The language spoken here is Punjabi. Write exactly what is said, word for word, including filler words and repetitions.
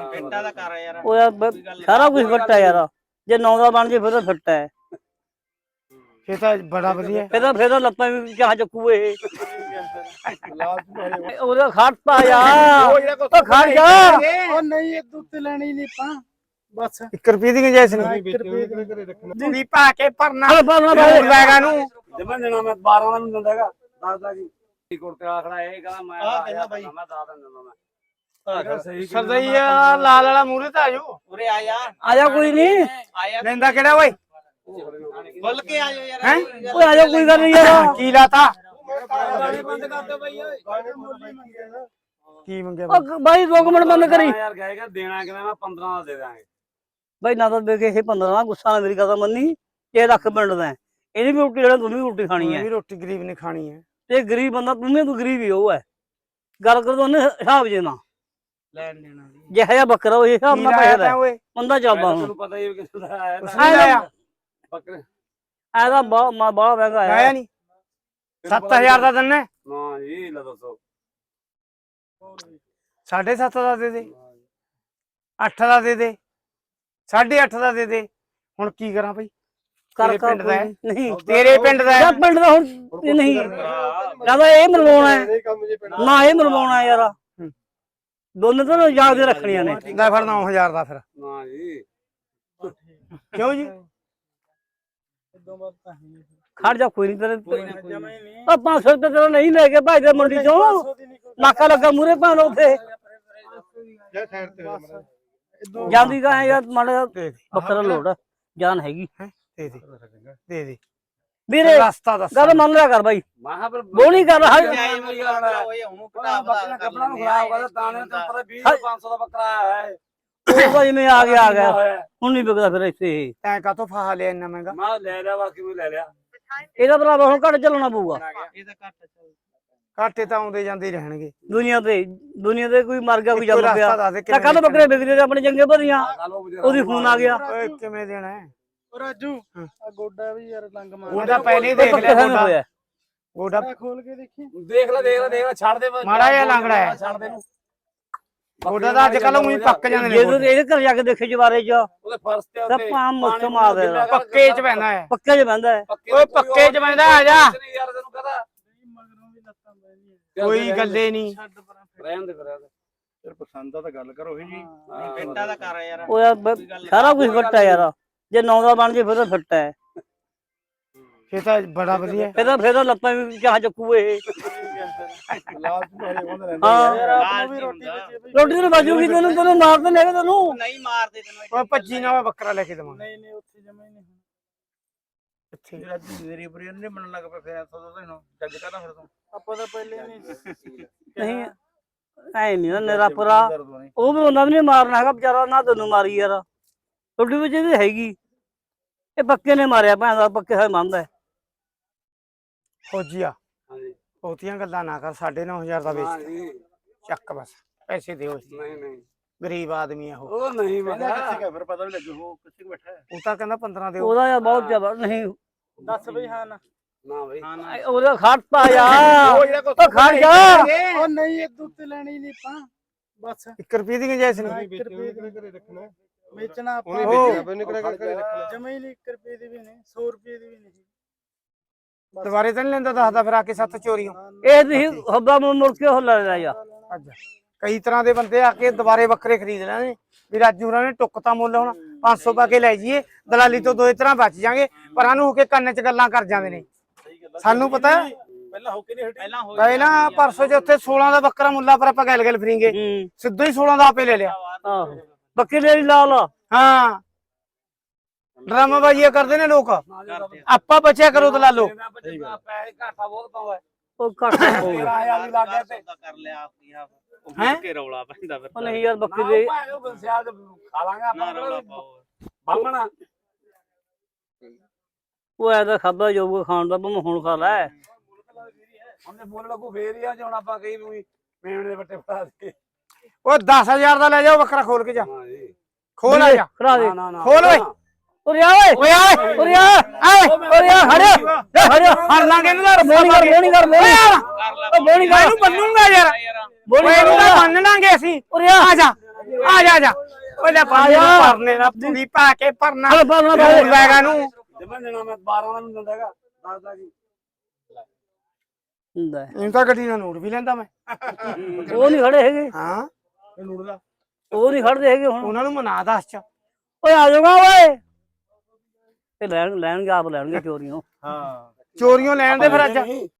ਫਿੱਟਾ ਦਾ ਕਰ ਯਾਰ ਉਹ ਯਾਰ ਸਾਰਾ ਕੁਝ ਫਿੱਟ ਹੈ ਯਾਰ ਜੇ ਨੌ ਦਾ ਬਣ ਜੇ ਫਿਰ ਤਾਂ ਫਿੱਟ ਹੈ ਇਹ ਤਾਂ ਬੜਾ ਵਧੀਆ ਫਿਰ ਤਾਂ ਫਿਰ ਤਾਂ ਲੱਤਾਂ ਵੀ ਚਾਹ ਚੱਕੂ ਇਹ ਉਹਦਾ ਖੜਤਾ ਯਾਰ ਉਹ ਖੜ ਜਾ ਉਹ ਨਹੀਂ ਇਹ ਦੁੱਧ ਲੈਣੀ ਨਹੀਂ ਪਾ ਬਸ ਇੱਕ ਰੁਪਏ ਦੀ ਗੁੰਜਾਇਸ਼ ਨਹੀਂ ਵੀ ਪਾ ਕੇ ਭਰਨਾ ਲੈਗਾ ਨੂੰ ਜਮਨ ਦੇਣਾ ਮੈਂ ਬਾਰਾਂ ਦਾ ਨੂੰ ਦਿੰਦਾਗਾ ਦਸ ਦਾ ਕੀ ਕੁਰਤੇ ਆਖਣਾ ਇਹ ਕਹਿੰਦਾ ਮੈਂ ਆ ਕਹਿੰਦਾ ਬਾਈ ਮੈਂ ਦਸ ਦਾ ਦਿੰਦਾ ਮੈਂ ਸਰਦਈਆ ਲਾਲ ਵਾਲਾ ਮੂਰੇ ਤਾਂ ਆਜੋ ਉਰੇ ਆ ਜਾ ਆ ਜਾ ਕੋਈ ਨਹੀਂ ਆਇਆ ਲੈਂਦਾ ਕਿਹੜਾ ਓਏ ਬੁੱਲ ਕੇ ਆ ਜਾ ਯਾਰ ਹੈ ਓਏ ਆ ਜਾ ਕੋਈ ਗੱਲ ਨਹੀਂ ਯਾਰ ਕੀ ਲਾਤਾ ਬੰਦ ਕਰ ਦਿਓ ਬਾਈ ਓਏ ਕੀ ਮੰਗਿਆ ਉਹ ਬਾਈ ਦੋ ਮਿੰਟ ਬੰਦ ਕਰੀ ਯਾਰ ਗਏਗਾ ਦੇਣਾ ਕਿਵੇਂ ਮੈਂ ਪੰਦਰਾਂ ਦਾ ਦੇ ਦਾਂਗੇ ਬਾਈ ਨਾ ਤਾਂ ਦੇ ਕੇ ਇਹ ਪੰਦਰਾਂ ਗੁੱਸਾ ਨਾ ਮੇਰੀ ਗੱਲ ਮੰਨੀ ਇਹ ਲੱਖ ਪਿੰਡ ਦਾ ਇਹਦੀ ਵੀ ਰੋਟੀ ਲੈਣਾ ਤੂੰ ਵੀ ਰੋਟੀ ਖਾਣੀ ਹੈ ਵੀ ਰੋਟੀ ਗਰੀਬ ਨੇ ਖਾਣੀ ਹੈ ਤੇ ਗਰੀਬ ਬੰਦਾ ਤੂੰ ਵੀ ਤੂੰ ਗਰੀਬ ਹੀ ਉਹ ਹੈ ਗੱਲ ਕਰ ਉਹਨੇ ਹਿਸਾਬ ਜੇ ਨਾ ਲੈਣ ਦੇਣਾ ਜਿਹੜਾ ਜਿਹਾ ਬੱਕਰਾ ਉਹ ਹਿਸਾਬ ਨਾਲ ਪੈਸੇ ਦਾ ਓਏ ਬੰਦਾ ਚੱਲਦਾ ਹੁਣ ਤੁਹਾਨੂੰ ਪਤਾ ਹੀ ਕਿਸ ਦਾ ਆਇਆ ਉਸਨੇ ਲਾਇਆ ਬੱਕਰੇ ਐਦਾ ਬਾ ਮਾ ਬੜਾ ਮਹਿੰਗਾ ਲਾਇਆ ਹੈ ਨਹੀਂ ਸੱਤ ਹਜ਼ਾਰ ਦਾ ਦਿੰਨੇ ਨਾ ਜੀ ਲੈ ਦੱਸੋ ਸਾਢੇ ਸੱਤ ਦਾ ਦੇ ਦੇ ਅੱਠ ਦਾ ਦੇ ਦੇ ਸਾਢੇ ਅੱਠ ਦਾ ਦੇ ਦੇ ਹੁਣ ਕੀ ਕਰਾਂ ਭਾਈ ਕਰ ਤੇਰੇ ਕਰ ਪਿੰਡ ਦਾ ਹੈ? ਨਹੀਂ ਤੇਰੇ ਪਿੰਡ ਦਾ ਹੈ? ਯਾਰ ਪਿੰਡ ਦਾ ਹੁਣ ਇਹ ਨਹੀਂ ਕਹਿੰਦਾ ਇਹ ਮਰਵਾਉਣਾ ਹੈ ਨਾ ਇਹ ਮਰਵਾਉਣਾ ਯਾਰ ਦੋਨੇ ਤਾਂ ਯਾਦ ਦੇ ਰੱਖਣੀਆਂ ਨੇ ਲੈ ਫਿਰ ਨੌ ਹਜ਼ਾਰ ਦਾ ਫਿਰ ਨਾ ਜੀ ਕਿਉਂ ਜੀ ਖੜ ਜਾ ਕੋਈ ਨਹੀਂ ਤੇਰੇ ਆ ਪੰਜ ਸੌ ਰੁਪਏ ਤੇਰਾ ਨਹੀਂ ਲੈ ਕੇ ਭਾਈ ਦੇ ਮੰਡੀ ਚੋਂ ਨਾਕਾ ਲੱਗਾ ਮੂਰੇ ਭਾਣ ਉੱਥੇ ਜਾਂਦੀ ਕਹਾਂ ਯਾਰ ਮਾੜਾ ਬੱਕਰਾ ਲੋੜ ਜਾਨ ਹੈਗੀ ਦੇ ਦੇ ਦੇ ਦੇ ਵੀਰੇ ਰਸਤਾ ਦੱਸ ਗੱਲ ਮੰਨ ਲਿਆ ਕਰ ਬਾਈ ਮਾਹ ਪਰ ਬੋਲੀ ਕਰ ਰਹਾ ਓਏ ਉਹਨੂੰ ਘਟਾ ਬੱਕਰਾ ਕੱਪੜਾ ਨੂੰ ਖਰਾਬ ਕਰਦਾ ਦਾਣੇ ਤੇ ਪਤਾ ਵੀਹ ਪੰਜ ਸੌ ਦਾ ਬੱਕਰਾ ਆਇਆ ਹੈ ਉਹ ਤਾਂ ਜਿਵੇਂ ਆ ਗਿਆ ਆ ਗਿਆ ਹੁਣ ਨਹੀਂ ਵਿਕਦਾ ਫਿਰ ਇੱਥੇ ਇਹ ਤੈਂ ਕਾਤੋਂ ਫਾਹਾ ਲਿਆ ਇੰਨਾ ਮਹਿੰਗਾ ਮੈਂ ਲੈ ਲਿਆ ਬਾਕੀ ਮੈਂ ਲੈ ਲਿਆ ਇਹਦਾ ਭਰਾਵਾ ਹੁਣ ਘੱਟ ਚੱਲਣਾ ਪਊਗਾ ਇਹ ਤਾਂ ਘੱਟ ਚੱਲ ਘਾਟੇ ਤਾਂ ਆਉਂਦੇ ਜਾਂਦੇ ਹੀ ਰਹਿਣਗੇ ਦੁਨੀਆ ਤੇ ਦੁਨੀਆ ਤੇ ਕੋਈ ਮਰ ਗਿਆ ਕੋਈ ਜੰਮ ਰਸਤਾ ਪਿਆ ਦੱਸ ਦੇ ਤਾਂ ਕੱਲ ਬੱਕਰੇ ਵਿਕਦੇ ਤੇ ਆਪਣੇ ਚੰਗੇ ਭਰੀਆਂ ਉਹਦੀ ਫੋਨ ਆ ਗਿਆ ਓਏ ਕਿਵੇਂ ਦੇਣਾ ਹੈ ਉਹ ਰਾਜੂ ਆ ਗੋਡਾ ਵੀ ਯਾਰ ਲੰਗ ਮਾਰ ਉਹਦਾ ਪਹਿਲੇ ਹੀ ਦੇਖ ਲਿਆ ਗੋਡਾ ਹੋਇਆ ਗੋਡਾ ਖੋਲ ਕੇ ਦੇਖੀ ਦੇਖ ਲੈ ਦੇਖ ਲੈ ਦੇਖ ਲੈ ਛੱਡ ਦੇ ਮਾੜਾ ਜਿਹਾ ਲੰਗੜਾ ਹੈ ਛੱਡ ਦੇ ਨੂੰ ਗੋਡਾ ਤਾਂ ਅੱਜ ਕੱਲ ਉਹੀ ਪੱਕ ਜਾਂਦੇ ਨੇ ਜੇ ਤੂੰ ਇਹਦੇ ਘਰ ਜਾ ਕੇ ਦੇਖੇ ਜਵਾਰੇ ਚ ਉਹਦੇ ਫਰਸ਼ ਤੇ ਤਾਂ ਪਾਮ ਮੁੱਕ ਮਾਰ ਦੇਣਾ ਪੱਕੇ ਚ ਪੈਂਦਾ ਹੈ ਪੱਕੇ ਚ ਬੰਦਾ ਹੈ ਓਏ ਪੱਕੇ ਚ ਬੰਦਾ ਆ ਜਾ ਯਾਰ ਤੈਨੂੰ ਕਹਦਾ ਮਗਰੋਂ ਵੀ ਲੱਤਾਂ ਬੈਣੀਆਂ ਕੋਈ ਗੱਲੇ ਨਹੀਂ ਛੱਡ ਪਰਾਂ ਰਹਿਣ ਦੇ ਰਹਿਣ ਦੇ ਫਿਰ ਪਸੰਦ ਦਾ ਤਾਂ ਗੱਲ ਕਰੋ ਜੀ ਫਿੱਟਾ ਦਾ ਕਰ ਯਾਰ ਉਹ ਯਾਰ ਸਾਰਾ ਕੁਝ ਫਿੱਟ ਹੈ ਯਾਰ ਜੇ ਨੌ ਦਾ ਬਣ ਜੇ ਫਿਰ ਤਾਂ ਫਿੱਟ ਹੈ ਇਹ ਤਾਂ ਬੜਾ ਵਧੀਆ ਫਿਰ ਤਾਂ ਫਿਰ ਤਾਂ ਲੱਤਾਂ ਵੀ ਚਾਹ ਚੱਕੂ ਇਹ ਹਾਂ ਵੀ ਰੋਟੀ ਰੋਟੀ ਤੇ ਬਾਜੂਗੀ ਤੈਨੂੰ ਤੈਨੂੰ ਮਾਰ ਤੇ ਨਹੀਂ ਤੈਨੂੰ ਨਹੀਂ ਮਾਰਦੇ ਤੈਨੂੰ ਓਏ ਭੱਜੀ ਨਾ ਮੈਂ ਬੱਕਰਾ ਲੈ ਕੇ ਦਵਾਂਗਾ ਨਹੀਂ ਨਹੀਂ ਉੱਥੇ ਜਮਾ ਹੀ ਨਹੀਂ ਇੱਥੇ ਰਾਜੂ ਮੇਰੀ ਬਰੀ ਨਹੀਂ ਬਣਨ ਲੱਗ ਪਿਆ ਫਿਰ ਸੋ ਤੈਨੂੰ ਜੱਜ ਕਰਦਾ ਫਿਰ ਤੂੰ ਆਪਾਂ ਤਾਂ ਪਹਿਲੇ ਨਹੀਂ ਨਹੀਂ ਐ ਨਹੀਂ ਨਾ ਨੇਰਾ ਪਰਾ ਉਹ ਵੀ ਉਹਨਾਂ ਨੇ ਮਾਰਨਾ ਹੈਗਾ ਵਿਚਾਰਾ ਨਾ ਤੈਨੂੰ ਮਾਰੀ ਯਾਰ ਰੋਟੀ ਵਿੱਚ ਇਹਦੀ ਹੈਗੀ ਇਹ ਪੱਕੇ ਨੇ ਮਾਰਿਆ ਭੈਣ ਦਾ ਪੱਕੇ ਹੋਏ ਮੰਨਦਾ ਫੌਜੀਆ ਹਾਂਜੀ ਬਹੁਤੀਆਂ ਗੱਲਾਂ ਨਾ ਕਰ ਸਾਢੇ ਨੌ ਹਜ਼ਾਰ ਦਾ ਵੇਚ ਹਾਂਜੀ ਚੱਕ ਬਸ ਪੈਸੇ ਦਿਓ ਨਹੀਂ ਨਹੀਂ ਗਰੀਬ ਆਦਮੀ ਆ ਉਹ ਉਹ ਨਹੀਂ ਮੈਂ ਫਿਰ ਪਤਾ ਵੀ ਲੱਗੂ ਉਹ ਕਿੱਥੇ ਬੈਠਾ ਹੈ ਉਹ ਤਾਂ ਕਹਿੰਦਾ ਪੰਦਰਾਂ ਦਿਓ ਉਹਦਾ ਯਾਰ ਬਹੁਤ ਜ਼ਿਆਦਾ ਨਹੀਂ ਦੱਸ ਬਈ ਹਾਂ ਨਾ ਨਾ ਬਈ ਹਾਂ ਨਾ ਉਹਦਾ ਖੜਤਾ ਯਾਰ ਉਹ ਖੜ ਜਾ ਉਹ ਨਹੀਂ ਇਹ ਦੁੱਧ ਲੈਣੀ ਨਹੀਂ ਪਾ ਬਸ ਇੱਕ ਰੁਪਏ ਦੀ ਗੁੰਜਾਇਸ਼ ਨਹੀਂ ਇੱਕ ਰੁਪਏ ਦੀ ਘਰੇ ਰੱਖਣਾ ਵੇਚਣਾ ਆਪਾਂ ਉਹਨੇ ਵੇਚਿਆ ਬਈ ਨਿਕਲਿਆ ਘਰੇ ਰੱਖਣਾ ਜਮਾ ਹੀ ਨਹੀਂ ਇੱਕ ਰੁਪਏ ਦੀ ਵੀ ਨਹੀਂ ਸੌ ਰੁਪਏ ਦੀ ਵੀ ਨਹੀਂ ਦੁਬਾਰੇ ਤਾਂ ਨਹੀਂ ਲੈਂਦਾ ਦੱਸਦਾ ਫਿਰ ਆ ਕੇ ਸੱਤ ਚੋਰੀਆਂ ਇਹ ਤੁਸੀਂ ਹੱਬਾ ਮੁੜ ਕੇ ਹੋ ਲੈ ਜਾ ਅੱਜ ਕਈ ਤਰ੍ਹਾਂ ਦੇ ਬੰਦੇ ਆ ਕੇ ਦੁਬਾਰੇ ਬੱਕਰੇ ਖਰੀਦ ਲੈਣੇ ਵੀ ਰਾਜੂ ਹੋਰਾਂ ਨੇ ਟੁੱਕਤਾ ਮੁੱਲ ਹੁਣ ਪੰਜ ਸੌ ਪਾ ਕੇ ਲੈ ਜਾਈਏ ਦਲਾਲੀ ਤੋਂ ਦੋਏ ਤਰ੍ਹਾਂ ਬਚ ਜਾਾਂਗੇ ਪਰਾਂ ਨੂੰ ਹੋ ਕੇ ਕੰਨ 'ਚ ਗੱਲਾਂ ਕਰ ਜਾਂਦੇ ਨੇ ਸਾਨੂੰ ਪਤਾ ਪਹਿਲਾਂ ਹੋ ਕੇ ਨਹੀਂ ਪਹਿਲਾਂ ਹੋ ਪਹਿਲਾਂ ਪਰਸੋਂ ਜੇ ਉੱਥੇ ਸੋਲਾਂ ਦਾ ਬੱਕਰਾ ਮੁੱਲਾ ਪਰ ਆਪਾਂ ਗੱਲ ਗੱਲ ਫਰੀਂਗੇ ਸਿੱਧਾ ਹੀ ਸੋਲਾਂ ਦਾ ਆਪੇ ਲੈ ਲਿਆ ਆਹੋ ਬੱਕੇ ਦੇ ਲਾਲ ਹਾਂ ਡਰਾਮਾ ਬਾਜ਼ੀਆਂ ਕਰਦੇ ਨੇ ਲੋਕ ਆਪਾਂ ਬਚਿਆ ਕਰੋ ਦਲਾਲੋ ਪੈਸੇ ਘਾਟਾ ਬਹੁਤ ਪਾਉਂਦਾ ਉਹ ਘੱਟ ਹੋ ਗਿਆ ਆਇਆ ਵੀ ਲੱਗ ਗਿਆ ਤੇ ਕਰ ਲਿਆ ਆਪਣੀ ਆਪ ਹੈਂ? ਕੇ ਰੌਲਾ ਪੈਂਦਾ ਫਿਰ ਉਹ ਨਹੀਂ ਯਾਰ ਬੱਕੇ ਦੇ ਸਿਆਦ ਖਾ ਲਾਂਗੇ ਨਾ ਰੌਲਾ ਆਪਾਂ ਪਾਓ ਬਾਹਮਣਾ ਉਹ ਐਦਾ ਖਾਦਾ ਜਾਊਗਾ ਖਾਣ ਦਾ ਭਾਵੇਂ ਹੁਣ ਖਾ ਲੈ ਉਹਨੇ ਬੋਲ ਲੱਗੂ ਫੇਰ ਹੀ ਆ ਜੇ ਹੁਣ ਆਪਾਂ ਕਹੀ ਵੀ ਮੇਵਣੇ ਦੇ ਬੱਟੇ ਫੜਾ ਦੇ ਉਹ ਦਸ ਹਜ਼ਾਰ ਦਾ ਲੈ ਜਾਓ ਬੱਕਰਾ ਖੋਲ ਕੇ ਜਾ ਹਾਂ ਜੀ ਖੋਲ ਆ ਜਾ ਖੜਾ ਦੇ ਨਾ ਨਾ ਨਾ ਖੋਲ ਓਏ ਉਰੇ ਆ ਓਏ ਓਏ ਆਏ ਉਰੇ ਆ ਆਏ ਉਰੇ ਆ ਖੜਿਆ ਖੜਿਆ ਫੜ ਲਾਂਗੇ ਇਹਨੂੰ ਤਾਂ ਬੋਣੀ ਕਰ ਬੋਣੀ ਕਰ ਬੋਣੀ ਕਰ ਲੈ ਬੋਣੀ ਕਰ ਇਹਨੂੰ ਬੰਨੂਗਾ ਯਾਰ ਯਾਰ ਬੋਣੀ ਓਏ ਇਹਨੂੰ ਤਾਂ ਬੰਨ ਲਾਂਗੇ ਅਸੀਂ ਉਰੇ ਆ ਆ ਜਾ ਆ ਜਾ ਆ ਜਾ ਓਏ ਲੈ ਪਾ ਜਾ ਪਰਨੇ ਦਾ ਪੂਰੀ ਪਾ ਕੇ ਪਰਨਾ ਹਲ ਬਾਹਰ ਨਾ ਹੋਰ ਲੈਗਾ ਨੂੰ ਜਮਨ ਦੇਣਾ ਮੈਂ ਬਾਰਾਂ ਦਾ ਨਹੀਂ ਦਿੰਦਾ ਹੈਗਾ ਦੱਸਦਾ ਕੀ ਹੁੰਦਾ ਇਹਨੂੰ ਤਾਂ ਗੱਡੀ ਨਾਲ ਨੋਟ ਵੀ ਲੈਂਦਾ ਮੈਂ ਉਹ ਨਹੀਂ ਖੜੇ ਹੈਗੇ ਹਾਂ ਇਹ ਲੁੱਟਦਾ ਉਹ ਨਹੀਂ ਖੜਦੇ ਹੈਗੇ ਹੁਣ ਉਹਨਾਂ ਨੂੰ ਮਨਾ ਦੱਸ ਚ ਓਏ ਆ ਜਾਊਗਾ ਓਏ ਤੇ ਲੈਣ ਲੈਣਗੇ ਆਪ ਲੈਣਗੇ ਚੋਰੀਆਂ ਹਾਂ ਚੋਰੀਆਂ ਲੈਣ ਦੇ ਫਿਰ ਅੱਜ